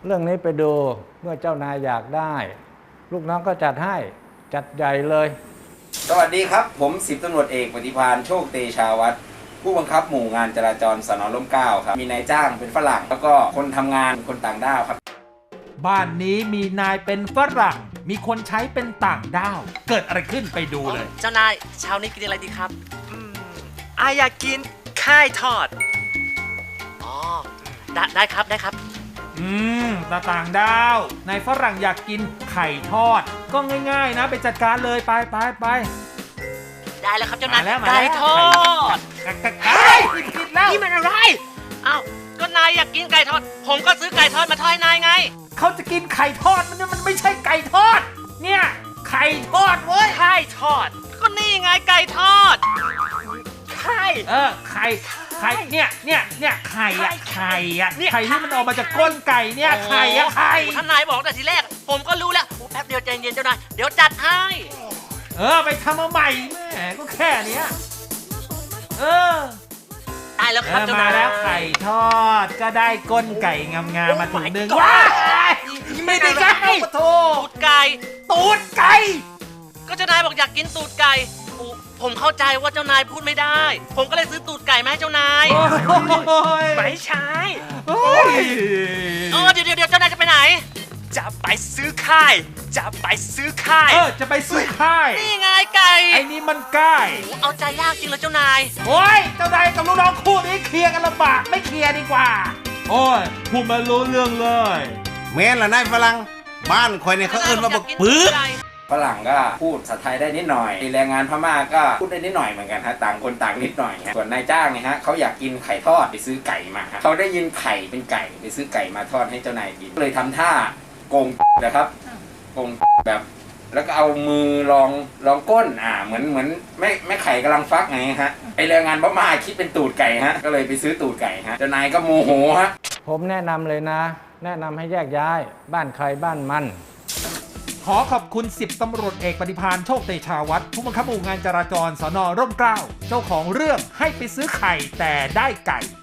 เรื่องนี้ไปดูเมื่อเจ้านายอยากได้ ลูกน้องก็จัดให้จัดใหญ่เลยสวัสดีครับผม10 ตำรวจเอกปฏิภาณโชคเตชาวัฒน์ผู้บังคับหมู่งานจราจรสน.ร่มเกล้าครับมีนายจ้างเป็นฝรั่งแล้วก็คนทำงานเป็นคนต่างด้าวครับบ้านนี้มีนายเป็นฝรั่งมีคนใช้เป็นต่างด้าวเกิดอะไรขึ้นไปดูเลยเจ้านายเช้านี้กินอะไรดีครับอายอยากกินไข่ทอดอ๋อได้ครับตาต่างดาวนายฝรั่งอยากกินไข่ทอดก็ง่ายๆนะไปจัดการเลยไปได้แล้วครับเจ้านายไก่ทอดผิดแล้วนี่มันอะไรอ้าวก็นายอยากกินไก่ทอดผมก็ซื้อไก่ทอดมาทอดให้นายไงเขาจะกินไข่ทอดมันไม่ใช่ไก่ทอดเนี่ยไข่ทอดเว้ยไข่ทอดก็นี่ไงไก่ทอดไข่ไข่เนี่ยไข่อะไข่ที่มันออกมาจากก้นไก่เนี่ยไข่ท่านนายบอกแต่ทีแรกผมก็รู้แล้วแป๊บเดียวใจเย็นเจ้านายเดี๋ยวจัดให้ไปทำมาใหม่แหมก็แค่เนี้ยได้แล้วครับมาแล้วไข่ทอดก็ได้ก้นไก่งามๆมาถุงนึงว้าไม่ได้ไก่ตูดไก่ก็เจ้านายบอกอยากกินตูดไก่ผมเข้าใจว่าเจ้านายพูดไม่ได้ผมก็เลยซื้อตูดไก่มาให้เจ้านายไม่ใช่เดี๋ยวเจ้านายจะไปไหนจะไปซื้อค่ายจะไปซื้อค่ายนี่ไงไก่ไอ้นี่มันไก่เอาใจยากจริงเลยเจ้านายโอ้ยเจ้านายกับลูกน้องคู่นี้เคลียร์กันลำบากไม่เคลียร์ดีกว่าโอ้ยพูดมารู้เรื่องเลยแม่นละนายฝรั่งบ้านคอยเนี่ยเขาเอิ้นว่าบักปื๊ดฝรั่งก็พูดภาษาไทยได้นิดหน่อยแรงงานพม่าก็พูดได้นิดหน่อยเหมือนกันฮะต่างคนต่างนิดหน่อยส่วนนายจ้างเนี่ยฮะเขาอยากกินไข่ทอดไปซื้อไก่มาเขาได้ยินไข่เป็นไก่ไปซื้อไก่มาทอดให้เจ้านายกินก็เลยทำท่าโกงนะครับโกงแบบแล้วก็เอามือลองก้นเหมือนแม่ไข่กำลังฟักไงฮะไอแรงงานพม่าคิดเป็นตูดไก่ฮะก็เลยไปซื้อตูดไก่ฮะเจ้านายก็โมโหฮะผมแนะนำเลยนะแนะนำให้แยกย้ายบ้านใครบ้านมันขอขอบคุณ10 ตำรวจเอกปฏิภาณโชคเตชาวัฒน์ผู้บังคับหมู่งานจราจรสน.ร่มเกล้าเจ้าของเรื่องให้ไปซื้อไข่แต่ได้ไก่